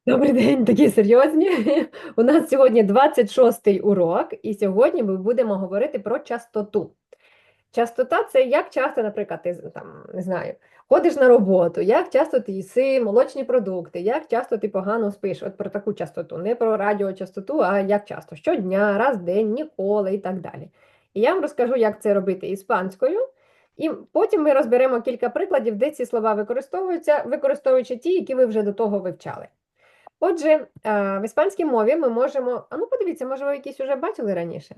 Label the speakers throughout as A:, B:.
A: Добрий день, такі серйозні. У нас сьогодні 26-й урок, і сьогодні ми будемо говорити про частоту. Частота це як часто, наприклад, ти там не знаю, ходиш на роботу, як часто ти їси молочні продукти, як часто ти погано спиш. От про таку частоту, не про радіочастоту, а як часто щодня, раз в день, ніколи і так далі. І я вам розкажу, як це робити іспанською. І потім ми розберемо кілька прикладів, де ці слова використовуються, використовуючи ті, які ви вже до того вивчали. Отже, в іспанській мові ми можемо. А ну подивіться, може, ви якісь вже бачили раніше?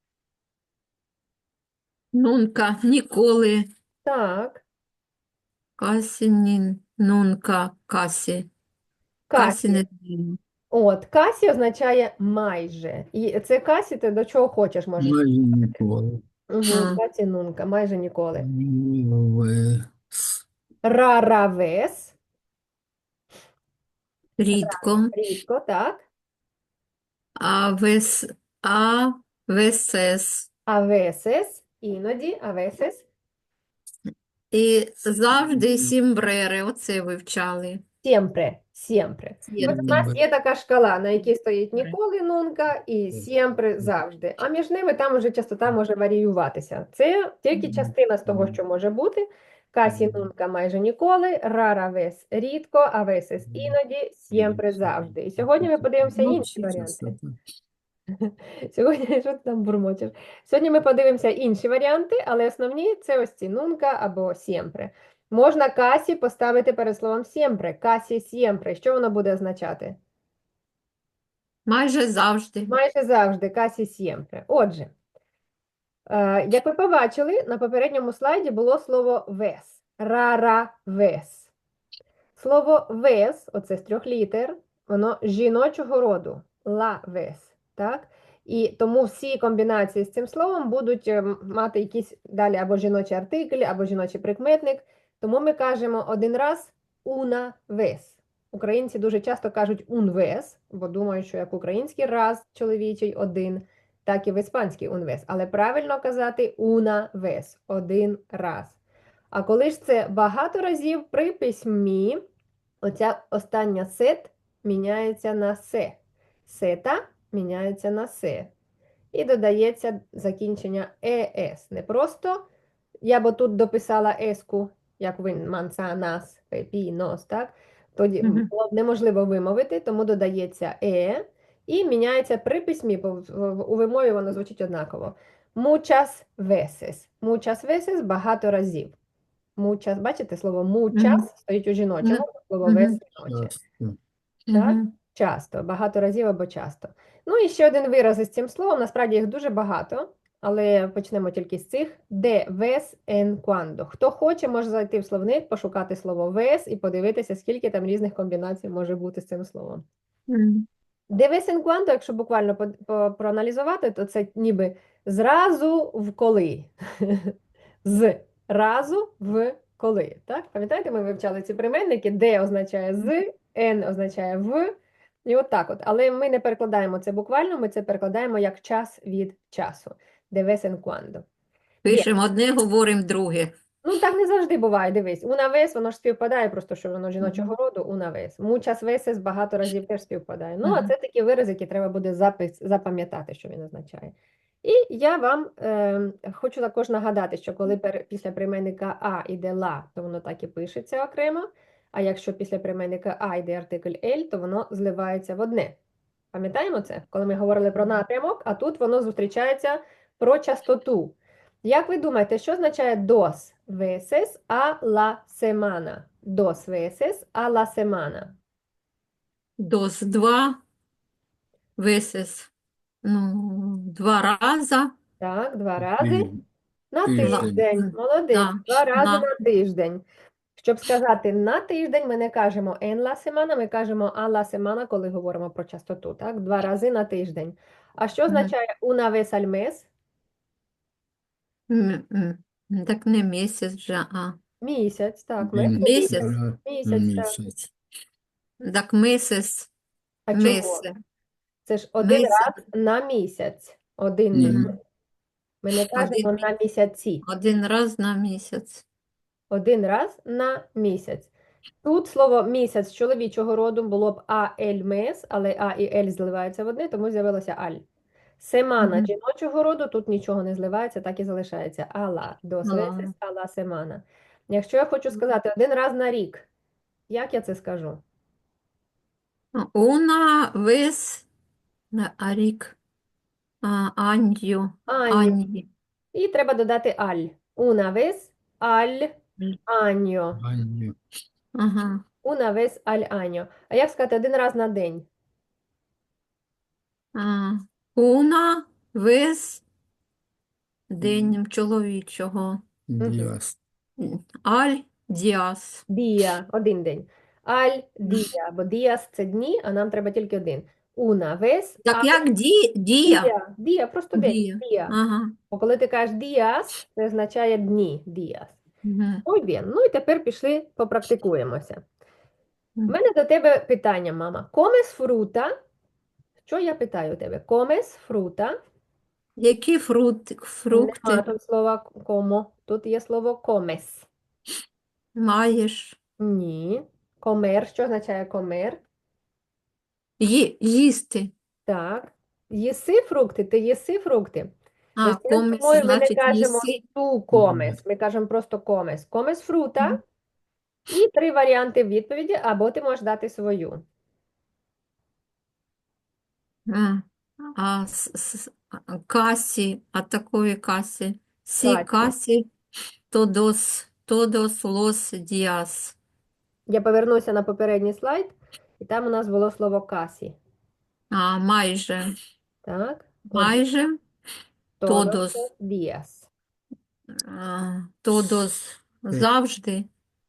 B: Нунка, ніколи,
A: Так,
B: касі, нунка, касі, касі
A: касі.
B: не знаю.
A: От, касі означає майже. І це касі, ти до чого хочеш можеш.
C: Майже ніколи.
A: Угу,
B: А,
A: касі нунка, майже ніколи.
C: Ви
A: Раравес,
B: рідко,
A: рідко, так.
B: а вес, а весес.
A: Авесес, іноді, авесес.
B: І завжди сімбрери, оце вивчали.
A: Сємпре, сємпре. От у
B: Сємпре.
A: нас є така шкала, на якій стоїть ніколи нунка і сємпре завжди. А між ними там уже частота може варіюватися. Це тільки частина з того, що може бути. Касі нунка майже ніколи, рара вес рідко, а весес іноді, сємпре завжди. І сьогодні ми подивимося
C: ну,
A: інші варіанти. Сьогодні, що ти там бурмотиш? Сьогодні ми подивимося інші варіанти, але основні це ось ці нунка або сємпре. Можна касі поставити перед словом сємпре. Касі сємпре. Що воно буде означати?
B: Майже завжди.
A: Майже завжди касі сємпре. Отже, як ви побачили, на попередньому слайді було слово вес. Рара вес. Слово вес, оце з 3 літер, воно жіночого роду. Ла вес. Так? І тому всі комбінації з цим словом будуть мати якісь далі або жіночий артикль, або жіночий прикметник. Тому ми кажемо один раз una vez. Українці дуже часто кажуть un vez, бо думають, що як український раз чоловічий один, так і в іспанській un vez. Але правильно казати una vez, один раз. А коли ж це багато разів при письмі, оця остання сет міняється на се. Сета міняється на се. І додається закінчення ес. Не просто я б тут дописала еску, як ви мансанас, пепінос, так? Тоді
B: Мгм.
A: було б неможливо вимовити, тому додається і міняється при письмі, бо у вимові воно звучить однаково. Muchas veces. Muchas veces – багато разів. Muchas, бачите, слово muchas
B: Мгм.
A: стоїть у жіночому, слово
B: Мгм.
A: вес жіноче.
C: часто.
A: Так?
B: Мгм.
A: Часто, багато разів або часто. Ну і ще один вираз із цим словом, насправді їх дуже багато, але почнемо тільки з цих. De vez en cuando. Хто хоче, може зайти в словник, пошукати слово vez і подивитися, скільки там різних комбінацій може бути з цим словом.
B: Мгм.
A: De vez en cuando, якщо буквально проаналізувати, то це ніби зразу в коли. З разу в коли. Так? Пам'ятаєте, ми вивчали ці прийменники, де означає з, н означає в. І от так от. Але ми не перекладаємо це буквально, ми це перекладаємо як час від часу. De vez en cuando. Bien.
B: Пишемо одне, говоримо друге.
A: Ну, так не завжди буває, дивись. Una vez, воно ж співпадає, просто що воно жіночого
B: Мгм.
A: роду, una vez. Muchas veces багато разів теж співпадає. Ну, а
B: Мгм.
A: це такі вирази, які треба буде запам'ятати, що він означає. І я вам хочу також нагадати, що коли після прийменника а йде ла, то воно так і пишеться окремо, а якщо після прийменника а йде артикль ель, то воно зливається в одне. Пам'ятаємо це? Коли ми говорили про напрямок, а тут воно зустрічається про частоту. Як ви думаєте, що означає dos veces a la semana? Dos veces a la semana.
B: Дос два, весес. Ну, два рази.
A: Так, 2 рази на
C: Тиждень.
A: тиждень. Молодець,
B: Да,
A: 2 рази
B: на.
A: на тиждень. Щоб сказати на тиждень, ми не кажемо en la semana, ми кажемо a la semana, коли говоримо про частоту. Так, 2 рази на тиждень. А що
B: Мгм.
A: означає una vez al mes?
B: Так не місяць вже, а
A: Місяць, так, mes це
B: місяць.
A: місяць.
C: На
A: Місяць, так.
C: місяць.
B: Так місяць,
A: А чого?
B: місяць,
A: Це ж один
B: місяць,
A: раз на місяць. Один
C: Ні.
A: місяць. Ми не кажемо на місяці.
B: один раз на місяць.
A: Один раз на місяць. Тут слово місяць чоловічого роду було б а-ель мес, але а і ель зливаються в одне, тому з'явилося аль. Семана
B: Мгм.
A: жіночого роду, тут нічого не зливається, так і залишається. Ала, дос весес,
B: Ала.
A: ала семана. Якщо я хочу сказати один раз на рік, як я це скажу?
B: Una vez a рік. Анью.
A: Аньо.
B: Аньї.
A: І треба додати аль. Una vez al año.
C: Аню.
B: Ага.
A: Una vez al año. А як сказати один раз на день?
B: А, Una vez день чоловічого.
C: Діас.
B: Аль діас.
A: Дія, один день. Аль дія, бо діас це дні, а нам треба тільки один. Una vez
B: Так
A: al
B: як дія?
A: día. Дія, просто день.
B: Дія.
A: Дія.
B: Ага.
A: Бо коли ти кажеш діас, це означає дні. Діас.
B: Мгм.
A: Muy bien. Ну і тепер пішли, попрактикуємося. У
B: Мгм.
A: мене до тебе питання, мама. Комес фрута? Що я питаю у тебе? Комес фрута?
B: Які
A: Нема
B: фрукти
A: тут слова комо. Тут є слово комес.
B: маєш?
A: Ні. Комер. Що означає комер?
B: Їсти.
A: Так. Їси фрукти, ти їси фрукти.
B: А,
A: Російською
B: коміс,
A: мовою ми не
B: значить,
A: кажемо
B: їси.
A: ту комес, ми кажемо просто комес. Комес фрута.
B: Мгм.
A: І три варіанти відповіді, або ти можеш дати свою.
B: А, касі, а такої касі. Сі
A: Касі.
B: касі, тодос лос діас.
A: Я повернуся на попередній слайд, і там у нас було слово касі.
B: А, майже.
A: Так?
B: Майже.
A: Тодос
B: Тодос.
A: діас.
B: Тодос завжди.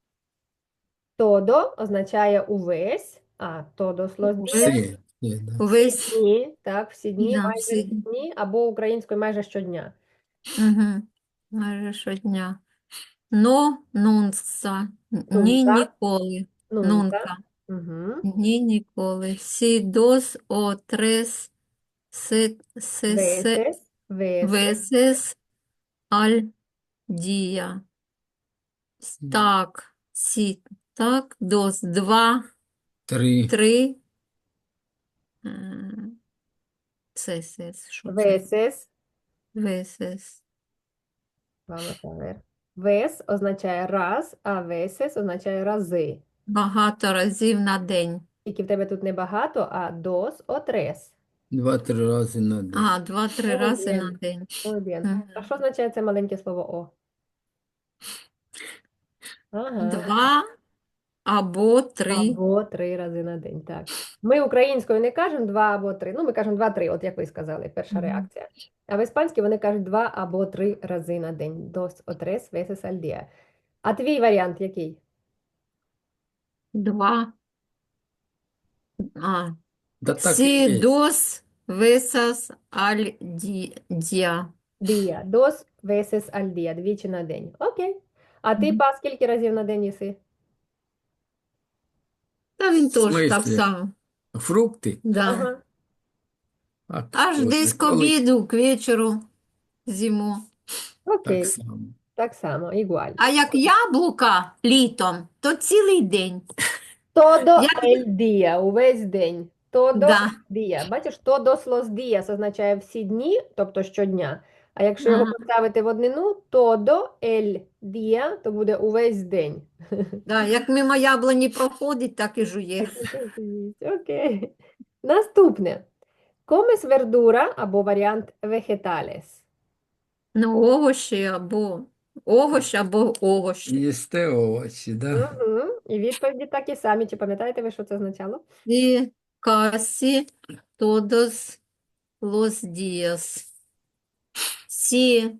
A: Тодо означає увесь, а тодос лос діас
C: Всі. Всі, да.
B: Увесь.
A: дні, так, всі дні,
B: Да,
A: майже
B: всі.
A: всі дні, або українською майже щодня.
B: Угу. Майже щодня. Но, нунца. Ні,
A: Нунка.
B: ніколи.
A: Нунка.
B: Нунка.
A: Угу.
B: Ні, ніколи. Сі, дос, о, трес, се,
A: Весес, весес,
B: весес, аль, дія. Так, сі, так, дос, два,
C: Три.
B: три. Сес, що це?
A: весес.
B: Весес.
A: Vamos a ver. Вес означає раз, а весес означає рази.
B: Багато разів на день.
A: Тільки в тебе тут не багато, а dos o tres.
C: 2-3 рази на день.
B: А, два-три
A: Muy
B: рази
A: bien.
B: на день.
A: Muy bien.
B: Мгм.
A: А що означає це маленьке слово О? Ага.
B: Два або три.
A: Або три рази на день, так. Ми українською не кажемо два або три. Ну, ми кажемо два-три, от як ви сказали, перша
B: Мгм.
A: реакція. А в іспанській вони кажуть два або три рази на день. Dos o tres veces al día. А твій варіант який?
B: Два. А,
C: Да так і
B: сі,
C: є.
B: дос, весас, аль, дія.
A: Дія. Dos veces al día. Двічі на день. Окей. А ти,
B: Мгм.
A: Па, скільки разів на день їси?
B: Та він
C: В
B: теж так
C: смислі?
B: само.
C: Фрукти?
B: Да.
A: Ага.
C: А
B: Аж
C: коли-
B: десь к
C: коли
B: обіду, к вечору, зиму.
A: Окей.
C: Так само.
A: Так само, ігуаль.
B: А як яблука літом, то цілий день.
A: Todo
B: Я...
A: el día, увесь день. Todo
B: Да.
A: día. Бачиш, todos los días означає всі дні, тобто щодня. А якщо його
B: Ага.
A: поставити в однину, todo el día, то буде увесь день.
B: Да, як мимо яблуні проходить, так і жує.
A: Окей. Наступне. Comes verdura або варіант vegetales.
B: Ну, овощ або овощ.
C: Їсте овочі, да?
A: Угу. І відповіді такі самі. Чи пам'ятаєте ви, що це означало?
B: І касі todos los días. Сі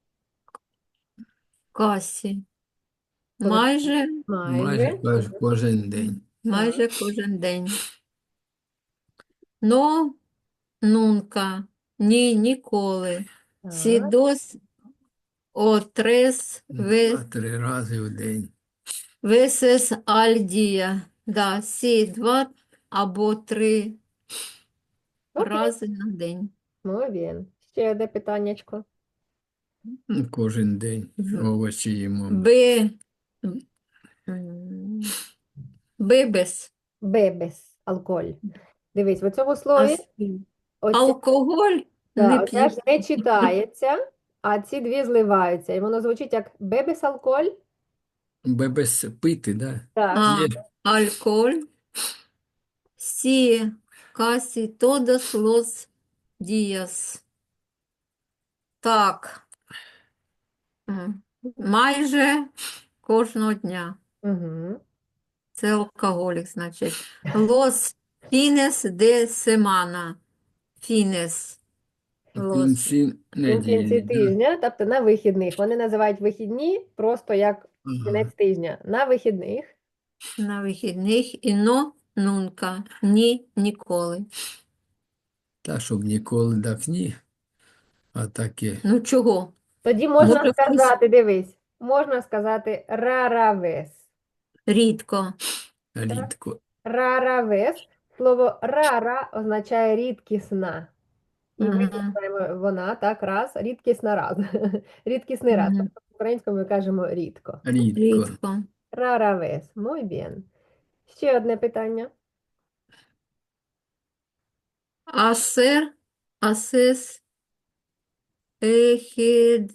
B: касі. Майже,
C: Майже кожен день.
B: майже кожен день. Но, нунка, ні, ніколи. Сі
A: Так.
B: дос, о трес,
C: 2-3 рази в день.
B: весес аль дія. Да, сі два або три
A: Окей.
B: рази на день.
A: Muy bien. Ще одне питаннячко.
C: Кожен день
B: В-
C: овочі їмо.
B: Б. м, Бебес.
A: Бебес, алкоголь. Дивись, в цьому слові оця,
B: Алкоголь не
A: да, оця ж
B: п'ють.
A: не читається, а ці дві зливаються. І воно звучить як бебес, алкоголь.
C: Без пити, да?
A: Так.
B: А,
C: П'є.
B: alcohol, sí, casi todos los días. Так, майже кожного дня.
A: Угу.
B: Це алкоголік, значить. Los fines de semana. Fines.
C: В
B: Los.
C: кінці
A: В кінці
C: неділі, да?
A: тижня, тобто на вихідних. Вони називають вихідні просто як
C: Ага.
A: кінець тижня. На вихідних.
B: На вихідних і но нунка. Ні, ніколи.
C: Та, щоб ніколи так ні, а таке
B: Ну чого?
A: Тоді можна
B: Може, хтось
A: сказати, дивись, можна сказати раравес.
B: рідко.
C: рідко.
A: Раравес. Слово рара означає рідкісна. І ми
B: Мгм.
A: знаємо вона, так, раз, рідкісна раз. Рідкісний раз.
B: Мгм.
A: Тобто українською ми кажемо рідко.
C: Рідко.
B: Рідко.
A: Раравес. Muy bien. Ще одне питання.
B: Асер, асес, ехід,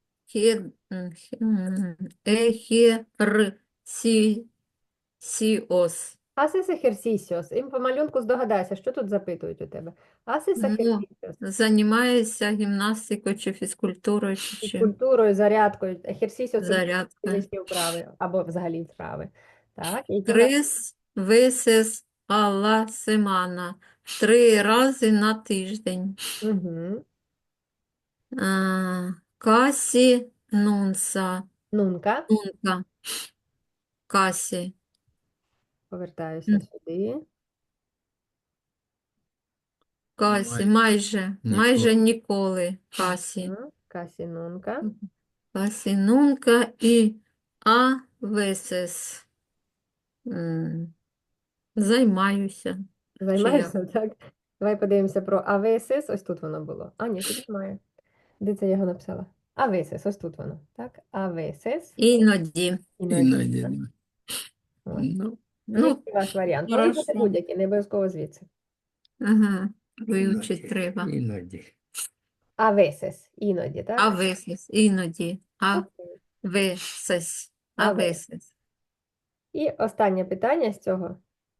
B: ехерсісіос.
A: Haces ejercicios. І по малюнку здогадайся, що тут запитують у тебе. Haces
B: Ну,
A: ejercicios.
B: займаєшся гімнастикою чи фізкультурою, чи чим?
A: Фізкультурою, зарядкою. Ejercicios – це
B: Зарядка.
A: фізичні вправи або взагалі вправи. Так, які
B: Tres veces a la semana. 3 рази на тиждень.
A: Угу.
B: Касі нунса.
A: Нунка.
B: Нунка. Касі.
A: Повертаюся сюди.
B: Касі.
C: Майже
B: Майже
C: ніколи.
B: ніколи. Касі.
A: Касі нунка.
B: Касі нунка і а veces. М, Займаюся.
A: Займаєшся, так? Давай подивимося про авесис. Ось тут воно було. А, ні, тут немає. Де це я його написала? Авесис, ось тут воно. Так, авесис.
B: Іноді.
C: Іноді.
A: Ось.
C: Ну,
B: Ну,
A: Який ваш варіант? Може бути
B: хорошо.
A: будь-який, не обов'язково звідси.
B: Ага. Вивчити треба.
C: іноді.
A: Авесис, іноді, так?
B: А veces. Іноді. А
A: Окей.
B: veces. А
A: А
B: veces.
A: І останнє питання з цього.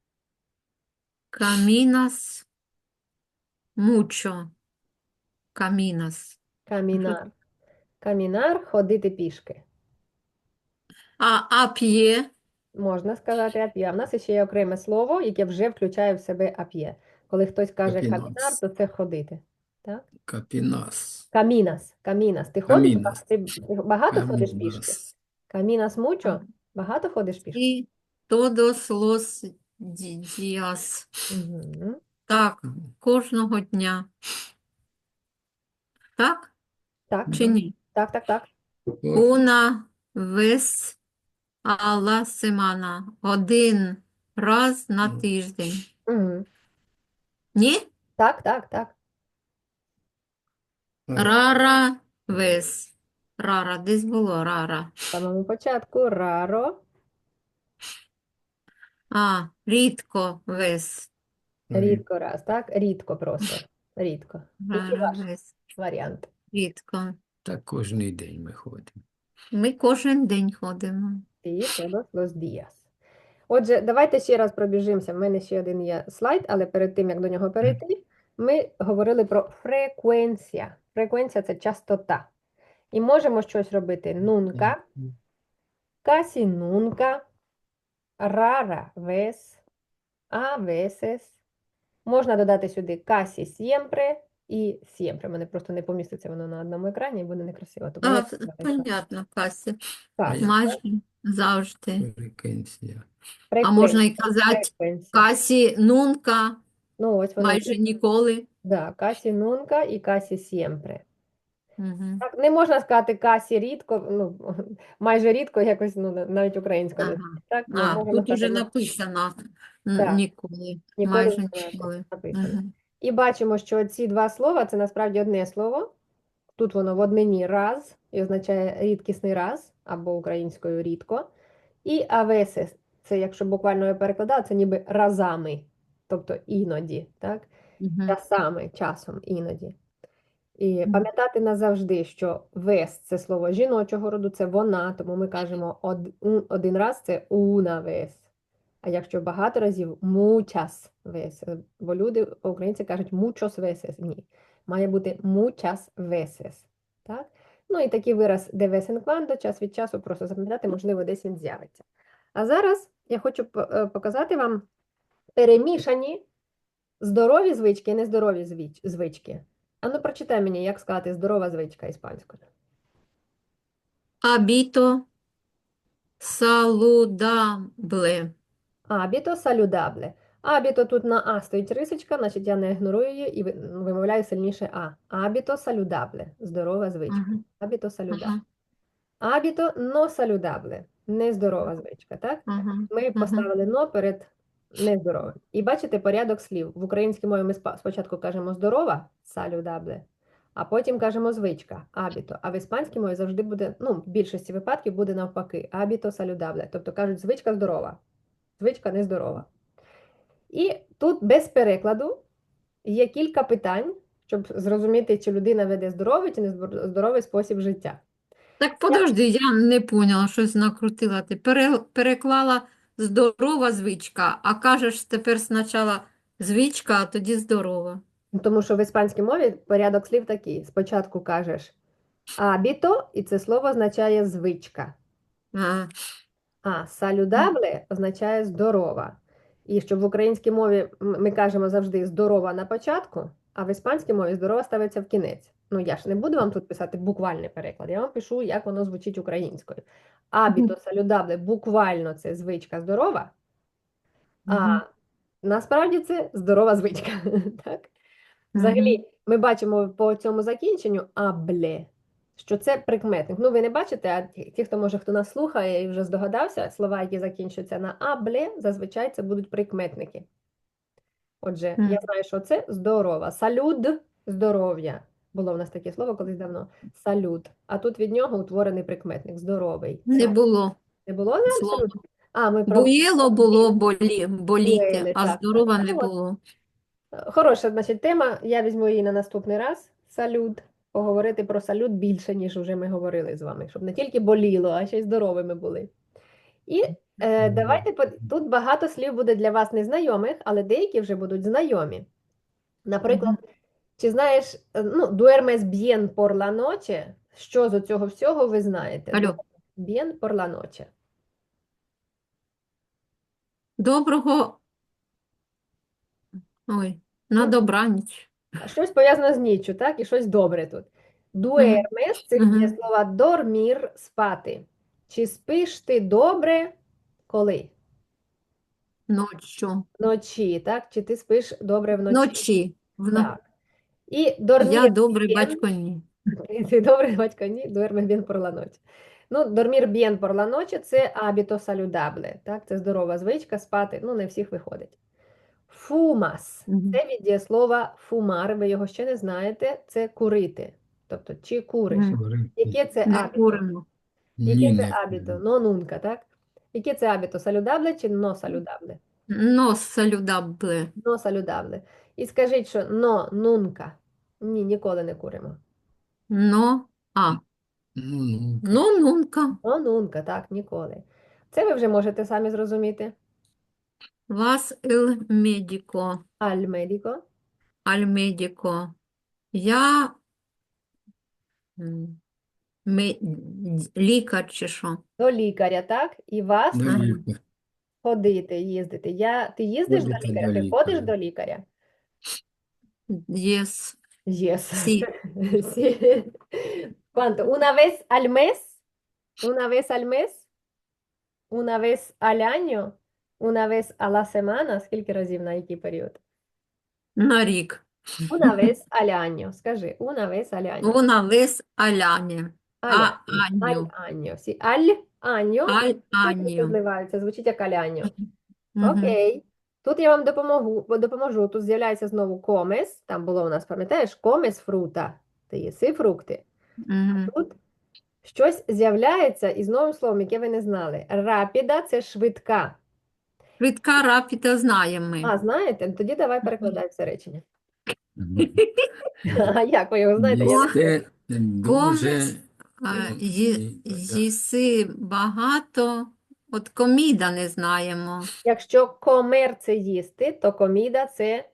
B: Caminas mucho. Caminas.
A: Камінар. Камінар – ходити пішки.
B: А п'є.
A: Можна сказати ап'є. А в нас ще є окреме слово, яке вже включає в себе ап'є. Коли хтось каже
C: Капінас.
A: камінар, то це ходити. Так?
C: Капінас.
A: Камінас. Камінас. Ти ходиш?
C: Камінас.
A: Ти багато ходиш пішки?
C: Камінас.
A: Камінас мучо? Багато ходиш пішки?
B: І todos los días.
A: Угу.
B: Так, кожного дня. Так
A: Так,
B: чи ні?
A: так, так, так.
B: Una vez a la semana. 1 раз на тиждень.
A: Угу.
B: Ні?
A: Так, так, так.
B: Rara vez. Рара, десь було рара.
A: В самому початку раро,
B: Рідко вес.
A: рідко раз, так? Рідко просто. Рідко. Який
B: Рара
A: ваш
B: вес.
A: варіант?
B: Рідко.
C: Так кожний день ми ходимо.
B: Ми кожен день ходимо.
A: І todos los días. Отже, давайте ще раз пробіжимося. В мене ще один є слайд, але перед тим, як до нього перейти, ми говорили про фреквенція. Фреквенція – це частота. І можемо щось робити нунка, касі нунка, рара вес, а veces. Можна додати сюди касі siempre і siempre. Мене просто не поміститься воно на одному екрані і буде некрасиво. Тому я так напишу.
B: Понятно, Касі.
A: Так,
B: Майже завжди.
C: Фреквенція.
B: А можна і казати
A: фреквенція.
B: Касі нунка,
A: Ну, ось воно.
B: майже ніколи.
A: Да, касі нунка і касі siempre.
B: Угу.
A: Так, не можна сказати касі рідко, ну, майже рідко, якось, ну, навіть українською. не
B: Ага.
A: звучить, Так, ми можемо
B: Тут уже
A: сказати,
B: написано
A: Так.
B: ніколи.
A: ніколи
B: Майже
A: не знаю,
B: ніколи.
A: написано.
B: Угу.
A: І бачимо, що ці два слова – це насправді одне слово. Тут воно в однині раз і означає рідкісний раз, або українською рідко. І авесес це якщо буквально я перекладала, це ніби разами, тобто іноді, так?
B: Мгм.
A: Часами, часом, іноді. І
B: Мгм.
A: пам'ятати назавжди, що вес це слово жіночого роду, це вона, тому ми кажемо один раз це una vez. А якщо багато разів muchas veces, бо люди, українці кажуть muchos veces. Ні, має бути muchas veces. Так? Ну і такий вираз de vez en cuando, час від часу просто запам'ятати, можливо, десь він з'явиться. А зараз я хочу показати вам перемішані здорові звички і нездорові звички. Ану, прочитай мені, як сказати здорова звичка іспанською.
B: Hábito saludable.
A: Абіто салюдабле. Абіто тут на А стоїть рисочка, значить я не ігнорую її і вимовляю сильніше А. Абіто салюдабле. Здорова звичка.
B: Ага,
A: Абіто салюдабле.
B: ага,
A: Абіто но салюдабле. Нездорова звичка, так?
B: ага,
A: Ми
B: ага.
A: поставили но перед нездоровим. І бачите порядок слів. В українській мові ми спочатку кажемо здорова, салюдабле, а потім кажемо звичка, абіто. А в іспанській мові завжди буде, ну, в більшості випадків буде навпаки, абіто салюдабле. Тобто кажуть, звичка здорова, звичка нездорова. І тут без перекладу є кілька питань, щоб зрозуміти, чи людина веде здоровий чи нездоровий спосіб життя.
B: Так подожди, я не поняла, щось накрутила. Ти переклала здорова звичка, а кажеш тепер спочатку звичка, а тоді здорова.
A: Тому що в іспанській мові порядок слів такий. Спочатку кажеш абіто, і це слово означає звичка.
B: А,
A: А салюдабле означає здорова. І щоб в українській мові ми кажемо завжди здорова на початку, а в іспанській мові здорова ставиться в кінець. Ну, я ж не буду вам тут писати буквальний переклад, я вам пишу, як воно звучить українською. Абіто салюдабле буквально це звичка здорова, а
B: мгм,
A: насправді це здорова звичка. Так?
B: мгм.
A: Взагалі, ми бачимо по цьому закінченню абле, що це прикметник. Ну, ви не бачите, а ті, хто може, хто нас слухає і вже здогадався, слова, які закінчуються на абле, зазвичай це будуть прикметники. Отже, я
B: М.
A: знаю, що це здорова. Салюд здоров'я. Було в нас таке слово колись давно. Салют. А тут від нього утворений прикметник здоровий.
B: Не було
A: Не було не
B: слова.
A: абсолютно? А, ми про
B: Буїло було боліти,
A: буели,
B: а
A: так.
B: здорова
A: Ну,
B: не
A: от.
B: було.
A: Хороша, значить, тема. Я візьму її на наступний раз. Салют. Поговорити про салют більше, ніж вже ми говорили з вами, щоб не тільки боліло, а ще й здоровими були. І давайте тут багато слів буде для вас незнайомих, але деякі вже будуть знайомі. Наприклад,
B: Мгм.
A: чи знаєш, ну, duermes bien por la noche? Що з цього всього ви знаєте?
B: Алло,
A: Bien por la noche.
B: доброго, ой, на
A: Мгм.
B: добраніч.
A: Щось пов'язане з ніччю, так? І щось добре тут.
B: Мгм,
A: Дуермес це є
B: мгм.
A: слова дормір спати. Чи спиш ти добре коли?
B: Ночью.
A: Вночі, так? Чи ти спиш добре вночі?
B: Вночі.
A: Так. І
B: Я
A: дормір
B: добрий
A: bien.
B: батько, ні.
A: Ти добре, батько, ні? Дуерме bien por la noche. Ну, дормір bien por la noche – це hábito saludable, так? Це здорова звичка спати. Ну, не всіх виходить. Фумас –
B: Мгм,
A: це від дієслова фумар, ви його ще не знаєте, це курити. Тобто, чи куриш?
B: мгм.
A: Яке це
B: Не
A: абіто?
B: куримо.
A: Яке
C: Ні,
A: це
C: не
A: абіто? Но нунка, так? Яке це абіто? Салюдабле чи но салюдабле?
B: Нос салюдабле.
A: Но салюдабле. І скажіть, що но нунка. Ні, ніколи не куримо.
B: Но,
C: ну,
B: ну, нунка.
A: Но нунка, так, ніколи. Це ви вже можете самі зрозуміти.
B: Вас el médico.
A: Аль медіко.
B: Аль médico. Я м, лікар чи що?
A: До лікаря, так? І вас
C: до
B: Ага.
C: лікаря.
A: ходити, їздити. Ти їздиш до
C: Ходите
A: лікаря?
C: до
A: Ти ходиш
C: лікаря.
A: до лікаря?
B: Yes.
A: Yes.
B: Сі.
A: Sí. ¿Cuánto? ¿Una vez al mes? ¿Una vez al mes? ¿Una vez al año? ¿Una vez a la semana? Скільки разів на який період?
B: На рік.
A: Una vez al año. Скажи, una vez al año.
B: Вона весь аляні.
A: Al
B: А
A: año. Al
B: аню.
A: año. Sí. Al año.
B: Аль
A: Букви
B: аню.
A: зливаються, звучить як al año.
B: Мгм.
A: Окей. Тут я вам допоможу. Тут з'являється знову комес. Там було у нас, пам'ятаєш, комес фрута. Ти їси фрукти.
B: Мгм.
A: Тут щось з'являється із новим словом, яке ви не знали. Рапіда – це швидка.
B: Швидка рапіда знаємо ми.
A: А, знаєте? Тоді давай перекладай все речення. А як ви його знаєте? Я не знаю.
C: Їсте дуже
B: Їси багато, от коміда не знаємо.
A: Якщо комер це їсти, то коміда це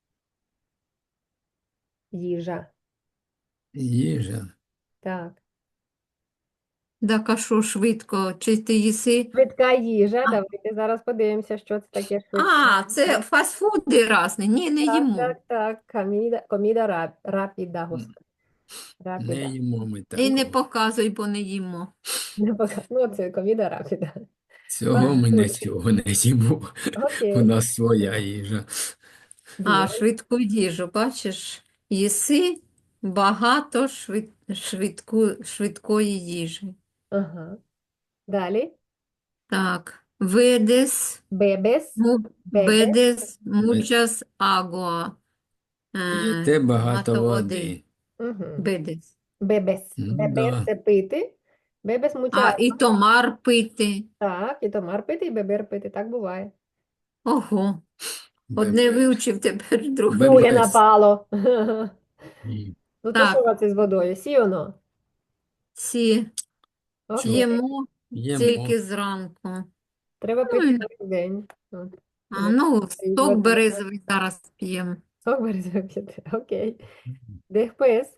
A: їжа.
C: їжа.
A: Так.
B: Так, а що швидко? Чи ти їси?
A: Швидка їжа. Давайте зараз подивимося, що це таке швидка.
B: А, це фастфуди різні. Ні, не
A: Так,
B: їмо.
A: так, так. Коміда рапіда, господи.
C: Не
A: Рапіда.
C: їмо ми
B: І не
C: такого.
B: показуй, бо не їмо.
A: Ну, це коміда рапіда.
C: Цього ми нічого не їмо. У
A: Окей.
C: нас своя їжа.
B: А,
A: Є.
B: швидку їжу, бачиш? Їси багато швидкої їжі.
A: Ага. Далі.
B: Так, ведес,
A: Бебес.
B: ведес muchas agua.
C: П'єте багато
B: Багато
C: води.
A: Угу.
B: Бедес.
A: Бебес.
C: Ну,
A: Бебес
C: да.
A: це пити. Бебес
B: А,
A: муча.
B: і томар пити.
A: Так, і томар пити, і бебер пити. Так буває.
B: Ого, одне вивчив, тепер друге.
A: Друге
C: Бебес.
A: напало.
C: Ні.
A: Ну, то
B: Так.
A: що це з водою? Сіоно?
B: Ці
A: Окей.
B: їмо
C: Їмо.
B: тільки зранку.
A: Треба
B: Ну,
A: пити
B: і-
A: кожен день. От.
B: А, ну,
A: І
B: сок
A: води.
B: березовий зараз п'ємо.
A: Сок березовий п'яти. Окей. Después,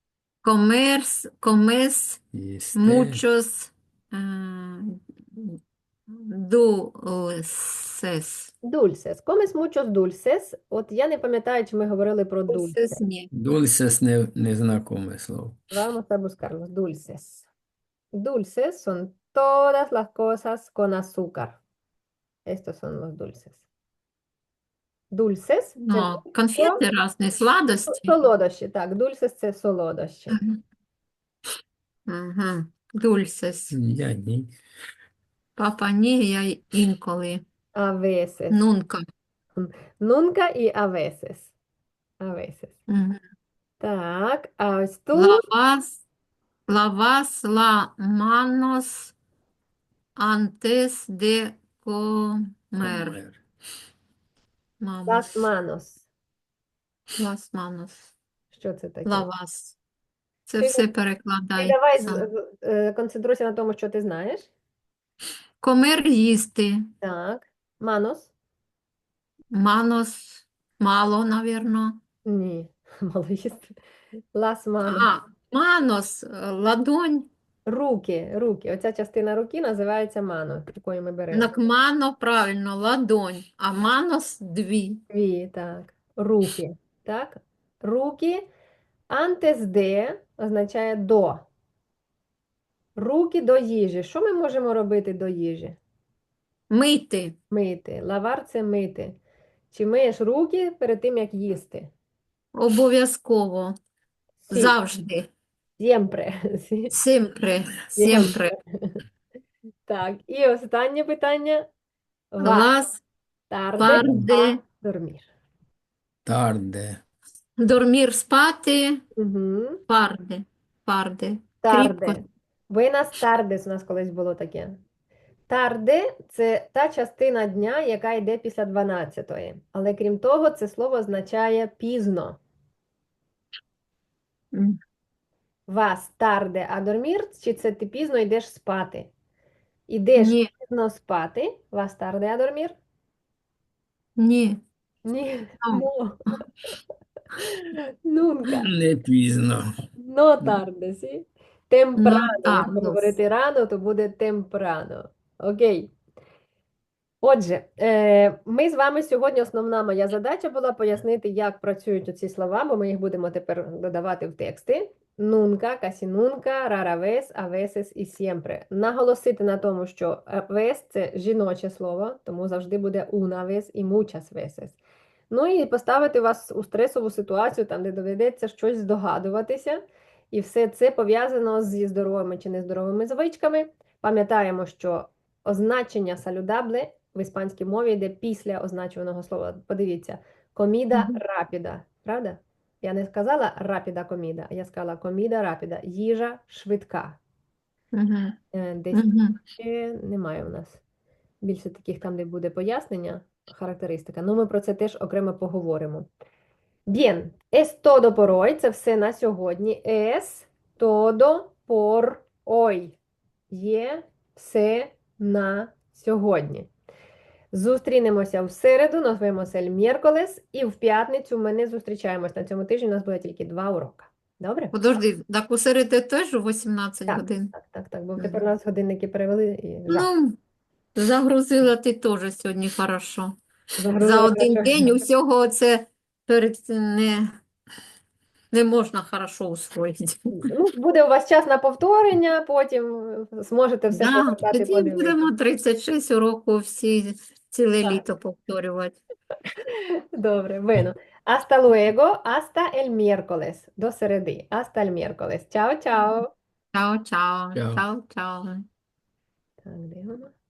B: Комес
C: Їсте.
B: muchos dulces.
A: dulces. Comes muchos dulces. От я не пам'ятаю, чи ми говорили про dulces.
B: Dulces ні.
C: Дульсес незнакоме слово.
A: Vamos a buscarlos. Dulces. Dulces son todas las cosas con azúcar. Estos son los dulces. Dulces це
B: Ну, конфети різні, сладості.
A: солодощі. Так, dulces це солодощі.
B: Ага. Dulces.
C: Я ні.
B: Папа ні, я інколи.
A: A veces.
B: Нунка.
A: Nunca y a veces. A veces.
B: Мгм.
A: Так, а ось тут
B: Lavas la manos antes de comer.
C: Помер.
A: las
B: Manos.
A: manos.
B: Las manos.
A: Що це таке?
B: Lavas. Це
A: Ти-
B: все
A: Ти
B: перекладай
A: давай
B: сам.
A: концентруйся на тому, що ти знаєш.
B: Комер їсти.
A: Так. Manos?
B: Манос. Мало, навірно.
A: Ні, мало їсти. Las manos.
B: А, манос. Ладонь.
A: Руки. Оця частина руки називається мано, якою ми беремо.
B: Так, мано, правильно, ладонь. А манос дві.
A: Дві, так. Руки. Так? Руки. Antes de означає до. Руки до їжі. Що ми можемо робити до їжі?
B: Мити.
A: Мити. Лавар це мити. Чи миєш руки перед тим, як їсти?
B: Обов'язково.
A: Сі.
B: Завжди.
A: Siempre. Сі.
B: Сімпре. Сімпре.
A: Так, і останнє питання. Vas
B: Лас
A: tarde
B: парде.
A: a dormir.
C: Тарде.
B: Дормір спати.
A: Угу.
B: Парде. Парде. Кріпко.
A: Tarde. Buenas tardes у нас колись було таке. Tarde – це та частина дня, яка йде після 12-ї. Але крім того, це слово означає пізно.
B: М,
A: Vas tarde a dormir, чи це ти пізно йдеш спати? Ідеш
B: Ні.
A: пізно спати. Vas tarde a dormir?
B: Ні.
A: Ні.
B: No.
A: No. Nunca.
C: Не пізно.
A: No tarde, sí? Temprano. Якщо
B: tardes.
A: говорити рано, то буде temprano. Окей. Отже, ми з вами сьогодні, основна моя задача була пояснити, як працюють оці слова, бо ми їх будемо тепер додавати в тексти. Nunca, casi nunca, rara vez, a veces y siempre. Наголосити на тому, що vez – це жіноче слово, тому завжди буде una vez і muchas veces. Ну і поставити вас у стресову ситуацію, там, де доведеться щось здогадуватися. І все це пов'язано зі здоровими чи нездоровими звичками. Пам'ятаємо, що означення saludable в іспанській мові йде після означуваного слова. Подивіться, коміда
B: Мгм.
A: рапіда, правда? Я не сказала рапіда коміда, я сказала коміда рапіда, їжа швидка.
B: Мгм.
A: Десь
B: Мгм.
A: ще немає у нас. Більше таких там, де буде пояснення, характеристика. Ну, ми про це теж окремо поговоримо. Bien, es todo por hoy. Це все на сьогодні. Es todo por hoy. Є все на сьогодні. Зустрінемося в середу, назвемося el miércoles, і в п'ятницю ми не зустрічаємось. На цьому тижні у нас буде тільки 2 уроки. Добре?
B: Подожди, так у середу теж у 18
A: Так,
B: годин?
A: так, бо
B: Мгм.
A: тепер у нас годинники перевели і жах.
B: Ну, загрузила ти теж сьогодні хорошо. За
A: Загрузила
B: один
A: хорошо.
B: день усього це не можна хорошо усвоїти.
A: Ну, буде у вас час на повторення, потім зможете все
B: Да,
A: погортати,
B: тоді
A: подивитися.
B: будемо 36 уроків всі ціле
A: Так.
B: літо повторювати.
A: Добре, bueno. Hasta luego, hasta el miércoles. До середи. Hasta el miércoles. Чао, чао.
B: Чао, чао,
C: Чао.
B: чао, чао.
A: Так, де воно?